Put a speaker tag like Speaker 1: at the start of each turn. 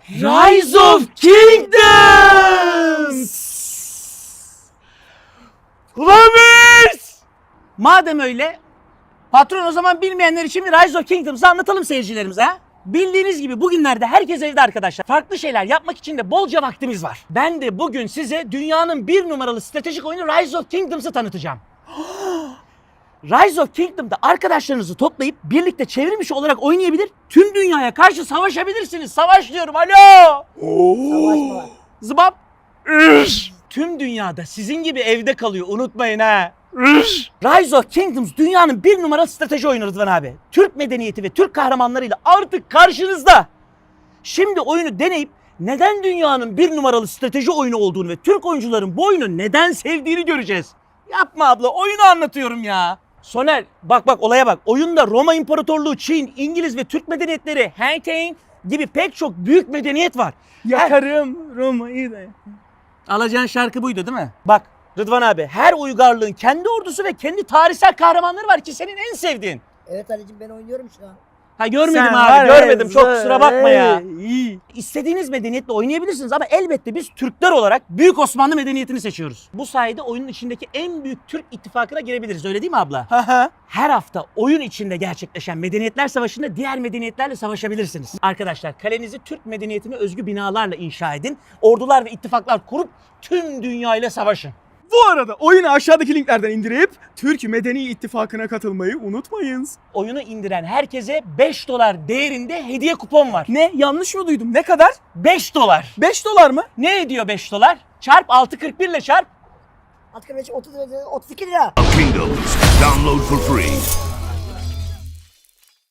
Speaker 1: Rise of Kingdoms! Ulan biz! Madem öyle, patron o zaman bilmeyenler için bir Rise of Kingdoms'ı anlatalım seyircilerimize ha? Bildiğiniz gibi bugünlerde herkes evde arkadaşlar. Farklı şeyler yapmak için de bolca vaktimiz var. Ben de bugün size dünyanın bir numaralı stratejik oyunu Rise of Kingdoms'ı tanıtacağım. Rise of Kingdom'da arkadaşlarınızı toplayıp birlikte çevrimiçi olarak oynayabilir, tüm dünyaya karşı savaşabilirsiniz. Savaş diyorum, alo!
Speaker 2: Savaşma.
Speaker 1: Zıbap! Tüm dünyada sizin gibi evde kalıyor, unutmayın ha. Rise of Kingdoms dünyanın bir numaralı strateji oyunu Rıdvan abi. Türk medeniyeti ve Türk kahramanlarıyla artık karşınızda. Şimdi oyunu deneyip neden dünyanın bir numaralı strateji oyunu olduğunu ve Türk oyuncuların bu oyunu neden sevdiğini göreceğiz. Yapma abla, oyunu anlatıyorum ya. Soner bak olaya bak. Oyunda Roma İmparatorluğu, Çin, İngiliz ve Türk medeniyetleri, Hangtang gibi pek çok büyük medeniyet var.
Speaker 2: Yakarım Roma'yı da.
Speaker 1: Alacağın şarkı buydu değil mi? Bak Rıdvan abi, her uygarlığın kendi ordusu ve kendi tarihsel kahramanları var ki senin en sevdiğin.
Speaker 3: Evet Ali'cim ben oynuyorum şu an.
Speaker 1: Ha görmedim
Speaker 2: Sen
Speaker 1: abi,
Speaker 2: var
Speaker 1: görmedim.
Speaker 2: ya,
Speaker 1: Çok kusura bakma ya.
Speaker 2: iyi.
Speaker 1: İstediğiniz medeniyetle oynayabilirsiniz ama elbette biz Türkler olarak Büyük Osmanlı medeniyetini seçiyoruz. Bu sayede oyunun içindeki en büyük Türk ittifakına girebiliriz, öyle değil mi abla? Her hafta oyun içinde gerçekleşen Medeniyetler Savaşı'nda diğer medeniyetlerle savaşabilirsiniz. Arkadaşlar kalenizi Türk medeniyetine özgü binalarla inşa edin. Ordular ve ittifaklar kurup tüm dünyayla savaşın.
Speaker 2: Bu arada oyunu aşağıdaki linklerden indirip Türk Medeni İttifakı'na katılmayı unutmayınız.
Speaker 1: Oyunu indiren herkese $5 değerinde hediye kupon var.
Speaker 2: Ne? Yanlış mı duydum? Ne kadar?
Speaker 1: $5.
Speaker 2: $5 mı?
Speaker 1: Ne ediyor $5? Çarp 6.41 ile çarp.
Speaker 3: 65 30 32 lira.
Speaker 4: Kingdoms. Download for free.